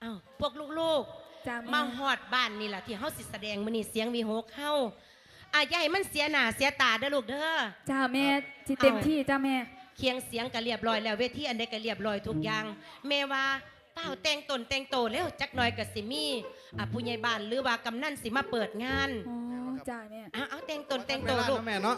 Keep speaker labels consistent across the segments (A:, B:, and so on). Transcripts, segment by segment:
A: อ้าวพวกลูกๆมาฮอดบ้านนี่แหละที่เฮาสิแสดงมื้อนี้เสียงวีหกเฮาอย่าให้มันเสียหน้าเสียตาเด้อลูกเด้อ
B: จ้าแม่สิเต็มที่จ้าแม่
A: เคียงเสียงก็เรียบร้อยแล้วเวทีอันใดก็เรียบร้อยทุกอย่างแม่ว่าเป้าแต่งตนแต่งโตแล้วจักหน่อยก็สิมีผู้ใหญ่บ้านหรือว่ากำนันสิมาเปิดงาน
B: อ๋อจ้าแม่
A: เอาแต่งตนแต่งโตลูก
C: แม่เนาะ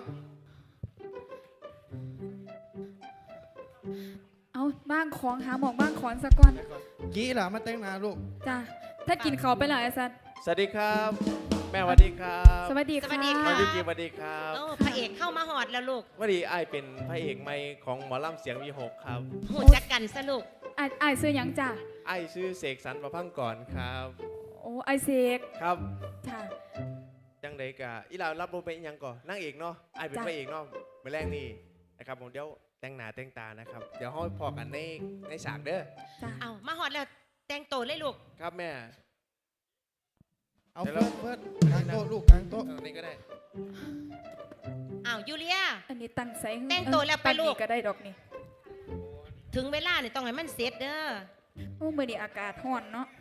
B: เอาบ้างของหาหมองบ้างของสะก่อน
C: กี้เหรอมาแต่งหน้าลูก
B: จ้าถ้ากินเขาไปแล้วไอ้สัน
D: สวัสดีครับแม่สวัสดีครับ
B: สวัสดีค่ะ
D: น้องยุกิสวัสดีครับ
A: พระเอกเข้ามาหอดแล้วลูก
D: วันนี้ไอเป็นพระเอกใหม่ของหมอลำเสียงวีหกครับ
A: หูจักกันซะลูก
B: ไอ้ซื้อยังจ้า
D: ไอชื่อเสกสรรประพังก่อนครับ
B: โอ้ไอเสก
D: ครับ
B: ค่ะ
D: จังไดกะอีเรารับบทเป็นยังก่อนนั่งเอกเนาะไอเป็นพระเอกเนาะเมื่อแรกนี่นะครับผมเดี๋ยวแต่งหน้าแต่งตานะครับเดี๋ยวห้อยพอกันในฉากเด้อ
A: เอามาหอดแล้วแต่งโตเลยลูก
D: ครับแม่
C: เอาเพื่อนกลางโต๊ะลูกกลางโต๊ะ
D: นี่ก็ได้
A: ยูเลีย
B: อันนี้ตั้งใส่
A: แต่งโตแล้วไปลูก
B: ก็ได้ดอกนี่
A: ถึงเวลาเนี่ยต้องให้มันเสร็จเด้อ
B: โอ้มื้อนี้อากาศร้อนเนาะ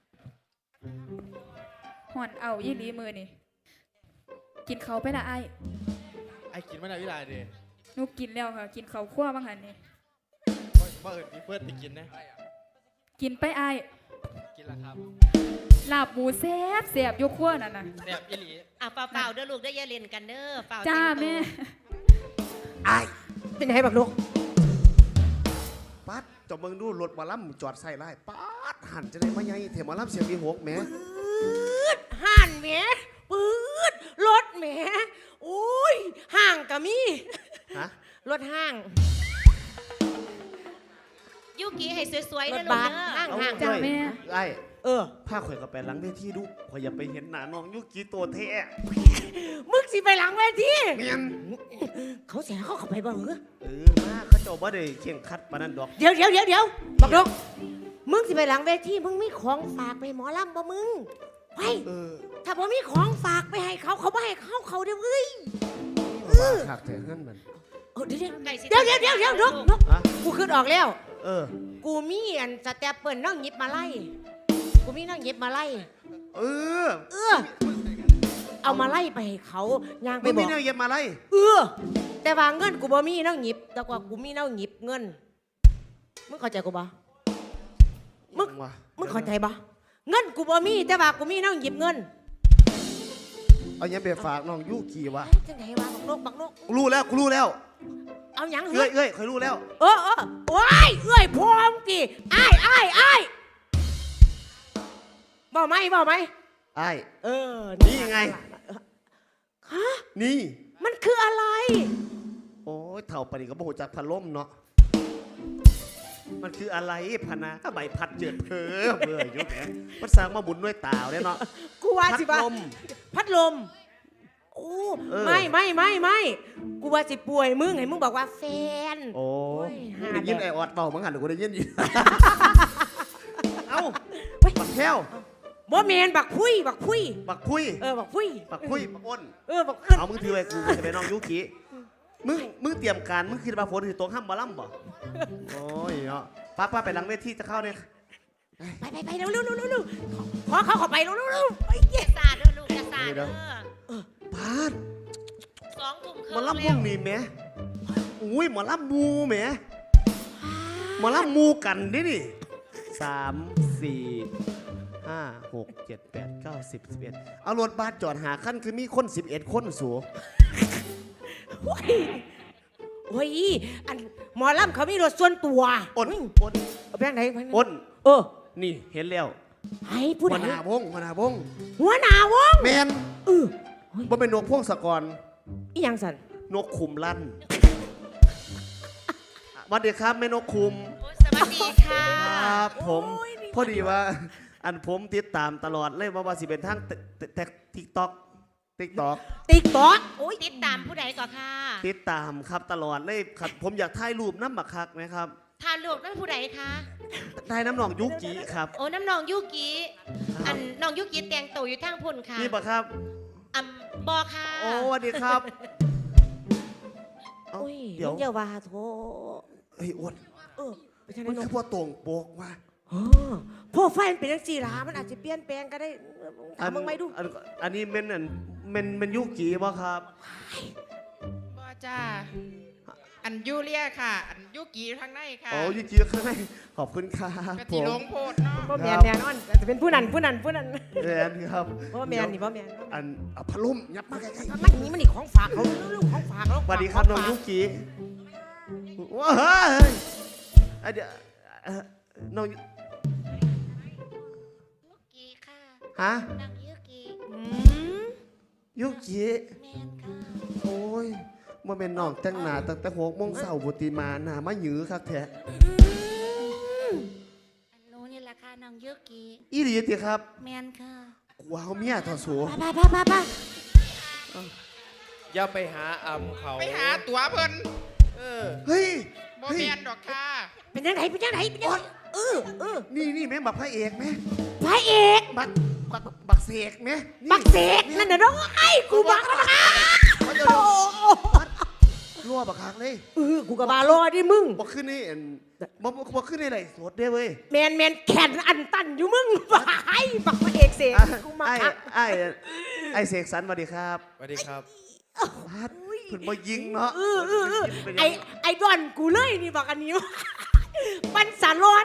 B: ร้อนเอายี่หลีมื้อนี่กินเขาไปละไ
C: อ้กินไม่ได้วิไลเด้
B: หนูกินแล้วค่ะกินเขาคั่วบ้างหันนี่
C: ว่าพี่เพื่อนไปกินนะ
B: กินไปไอ
C: กินละครับ
B: ลาบหมูแซ่บแซ่บยกขั้วนั่นน่ะ
C: แซ่บอีหลี
A: เปล่าเด้อลูกได้อย่าเล่นกันเด้อเปล่า
B: จ้าแม่
E: ไอเป็นไงบักลูกปัดจอมึงดูรถมาล่ำจอดใส่ไล่ปัดหันจะได้มาไงเถมาล่ำเสียงมีหกแม่
A: หันแม่ปืดรถแม่โอ้ยห่างกะมี
E: ฮะ
A: รถห้างยุกีให้สวยๆนะลูก
E: ห่าง
B: จ้าแม่
E: ไอผ้าข่อยก็ไปหลังเวทีดูข่อยอย่าไปเห็นหน้าน้องยุกีตัวแท้
A: มึกสิไปหลังเวที
E: เมียน
A: เขาเสียเขาเข้าไปบ้างเหรอ
E: มาเขาเจ้าบ่ได้เข่งคัดปานนั้นดอก
A: เดี๋ยวบอกลูกมึงสิไปหลังเวทีมึงมีของฝากไปหมอลำบ่มึงไปถ้าบ่มีของฝากไปให้เขาไม่ให้เขาเดี๋ยวเว้ย
E: ขาดแต่เงินมัน
A: เดี๋ยวนกกูขึ้นออกแล้วกูมีอันสเตปเปิลน้องหยิบมาไล่กูมีน้องหยิบมาไล่เอามาไล่ไปให้เขาย่างไปบอก
E: มีน้องหยิบมาไล่
A: แต่ว่าเงินกูบ่มีน้องหยิบแต่ว่ากูมีน้องหยิบเงินมึงเข้าใจกูบ่มึงเข้าใจบ่เงินกูบ่มีแต่ว่ากูมีน้องหยิบเงิน
E: เอาอย่างไปฝากน้องยุกีวะ
A: จังไงวะบักนก
E: รู้แล้ว
A: เอาหยัง
E: เอ้ยเคยรู้แล้ว
A: โอ้ยเอ้ยพร้อมกี่อ้ายบอกไหม
E: อ้ายนี่ไง
A: ฮะ
E: นี่
A: มันคืออะไร
E: โอ้ยเท่าปานนี้ก็บ่ฮู้จักพัดลมเนาะมันคืออะไรพะนะใบพัดเจิดเพ้อเบื่ออยู่แหมมันสร้างมาบุญด้วยตาเนี่ยเนาะ
A: กูว่าสิพัดลมโอ้ไม่กูว่าสิป่วยมึงไงมึงบอกว่าแฟน
E: โอ้ยได้ยินไอออดเบามั้งหันหรือกูได้ยินอยู่เอ้าบักแก้ว
A: บ่เมนบักพุยบักพุย
E: บักอ้น
A: บักอ้น
E: เอามึงถือไว้กูจะไปน้องยุกิมึงเตรียมการมึงคิดว่าฝนสิตกห้ามบ่ล่ำบ่โอ้ยเนาะป้าไปหลังเวทีจะเข้าเนี่ย
A: ไปเร็วขอเขาไปเร็วไอ้เหี้ยซาเด้อลูกจะซาเด้อ
E: ป้า
A: 2 ทุ่มครึ่ง
E: มาล่ำม่วงนี่แม่อุ้ยมาล่ำมูแม่มาล่ำมูกันดิ3 4 5 6 7 8 9 10 11เอารถบัสจอดหาขั้นคือมีคน11คนสู
A: โอ้ยอันหมอลำเขามีรถส่วนตัว
E: อ้น
A: เอาไปไหน
E: อ้นนี่เห็นแล้ว
A: ให้ผู้ใด
E: หัวหน้าวงแมนบ่เป็นนกพวงสกร
A: อีหยังสัน
E: นกขุมลั่นสวัสดีครับแม่นกขุม
A: สวัสดีค่ะ
E: ครับผมพอดีว่าอันผมติดตามตลอดเลยว่าสิเป็นทางติ๊กต็อก
A: โอ้ยติดตามผู้ใดก่อนค่ะ
E: ติดตามครับตลอดเลยครับผมอยากถ่ายรูปน้ำบักคักนะครับ
A: ถ่ายรูปนั่นผู้ใดคะ
E: ถ่ายน้ำหนองยุกิครับ
A: โอ้น้ำหนองยุกิอันน้องยุกิแต่งตัวอยู่ทางพุ่นค่ะ
E: นี่ปะครับ
A: บอค่ะ
E: โอ้สวัสดีครับ
A: เดี๋ยวอย่าว่าโถ
E: เฮ้ยอ้วนมันคือพ่อตรงโปกว่ะ
A: พ่
F: รไฟล์มันเป็นจังซี่ล่ะมันอาจจะเปลี่ยนแปลงก็ได้ถามมึงไหมดู
E: อันนี้เมนอันเมนยุกีบ่ครับ
B: บ่จ้าอันยูเลียค่ะ อันยูกีทางในค่ะ
E: อ๋อยุกีข้างในขอบคุณครับ
B: กะ
E: ผ
B: ทิ
E: ม
B: หลงโพดเนาะ
F: บ่แม่นแน่นอนจะเป็นผู้นั้น
E: แมนครับ
F: บ่แม่นนี่บ่แม่น
E: อันเอาพัดลมยับมาใกล้ๆ
F: มันนี่มันนี่ของฝากเขาลูกของฝากเขา
E: สวัสดีครับน้องยุกีว้าเฮ้ยเดี๋ยวน้อง
G: ยุกิค่ะ
E: ฮะ
G: นางยุกิ
E: ยุกี
G: แมนค่ะ
E: โอ้ยมาเป็นน้องแต่งหน้าตั้งแต่6 โมงเช้าบุตรีมาหน้ามาหยือคักแท้
G: อันนู้นนี่แหละค่ะนางยุกิ
E: อีหลีติครับ
G: แมนค่ะ
E: กลัวเอาเมียทอดสู
F: ไป
D: อย่าไปหาอำเขา
B: ไปหาตัวเพิ่น
E: เฮ้ย
B: บ่
E: เฮ้ย
B: แม่นดอกค่ะ
F: เป็นจังได
E: นี่แม่งบักพระเอกไหม
F: พระเอก
E: บักเสกไหม
F: บักเสกนั่นน่ะน้องไอ้กูบักแล้วนะ
E: เดี๋ยวรั่วบักคักเลย
F: กูก็บารอดิมึง
E: บักขึ้นนี่บักขึ้นนี่ไหนสดเด้เว้ย
F: แมนแขนอันตันอยู่มึงไอ้บักพระเอกเสกกูมาคัก
E: ไอ้เสกสรรสวัสดีครับ
D: สวัสดีครับ
E: พัดเพิ่นบ่ยิงเนาะ
F: ไอ้ดอนกูเลยนี่บักอันนี้ปันสารอด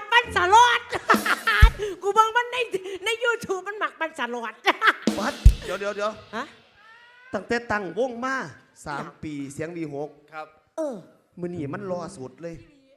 F: กูเบิ่งมันใน YouTube มันหมักปันสารอด
E: พัดเดี๋ยว
F: ฮะ
E: ตั้งแต่ตั้งวงมา3 ปีเสียงดี6
D: ครับ
E: มื้อนี้มันรอสุดเลย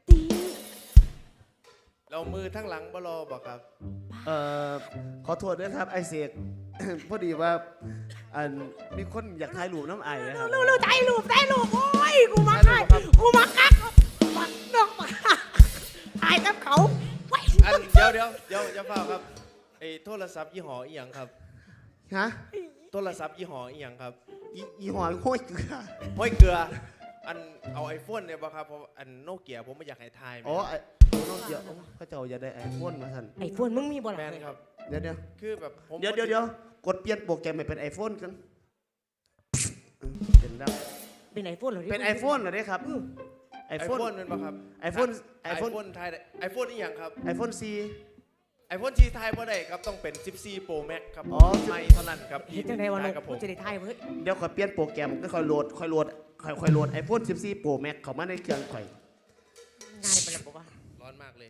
D: เรามือทั้งหลังบ่รอบอกครับ
E: ขอโทษด้วยครับไอ้เสก พอดีว่าอันมีคนอยากถ่ายรูปน้ำไอ้นะครับ
F: ลูกถ่ายรูปโอ้ยกูมาคักบักดอกถ่ายกับเขาไว้
D: อันเดี๋ยวอย่าเฝ้าครับไอ้โทรศัพท์ยี่ห้ออีหยังครับ
E: ฮะ
D: โทรศัพท์ยี่ห้ออีหยังครับ
E: อีหอยห้อยเกลือ
D: ห้อยเกลือ อันเอาไอโฟนเนี่ยบ่ครับเพราะอันโนเกียผมไม่อยากให้ทาย
E: อ๋อไอ้น้องเดี๋ยวพระเจ้าอย่าได้ไอ้พ่นมาสั่น
F: ไอ้ฟวนมึงมีบ่ล่ะ
D: แมนครับ
E: เดี๋ยว
D: คือแบบผม
E: เดี๋ยวกดเปลี่ยนโปรแกรมให้เป็นไอโฟนกันเป็นแล้ว
F: เป็นไอ้ฟวนเหรอ
E: เป็นไอโฟนเหรอเนี่ยครับไอ
D: ไอ
E: โฟ
D: โฟ
E: น
D: นเป็นบ่ครับ
E: ไอโฟน
D: ไอโฟนไทยไอโฟนอีหยังครับ
E: ไอโฟน C
D: ไอโฟนที่ไทยบ่ได้ครับต้องเป็น14 Pro Max ครับ
E: อ๋อ
D: ไม่เท่านั้นครับ
F: เฮ็ดจังได๋วะลู
D: กับผ
F: ก
D: ม
F: จะได้ถ่ายเว้ย
E: เดี๋ยวค่อยเปลี่ยนโปรแกรมก็ค่อยโหลดไอโฟน14 Pro Max เข้ามาในเครื่องข่อย
F: ง่ายไปแล้วบ่วะ
D: ร้อนมากเลย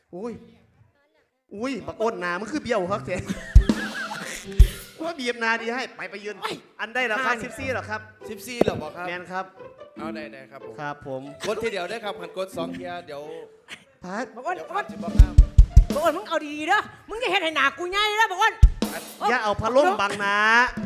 E: อุ้ยบักอ้นหนามันคือเบี้ยวครับเจ๊ว่าบีบนาดีให้ไปยืนอันได้แล้วครับ14เหรอครับ
D: 14เหรอบ่ครับ
E: แมนครับ
D: เอาได้ครับผม
E: ครับผม
D: กดทีเดียวได้ครับหันกด2เทียเดี๋ยว
E: พัด
F: บอกว่า
D: เดี๋ยว
F: บอก
D: ผ่า
F: ว่าน
D: สิบ่ข้าม
F: มึงเอาดีๆเด้อมึงจะเฮ็ดให้หน้ากูใหญ่เด้อบอกว่า
E: อย่าเอาพัดลมบังนะ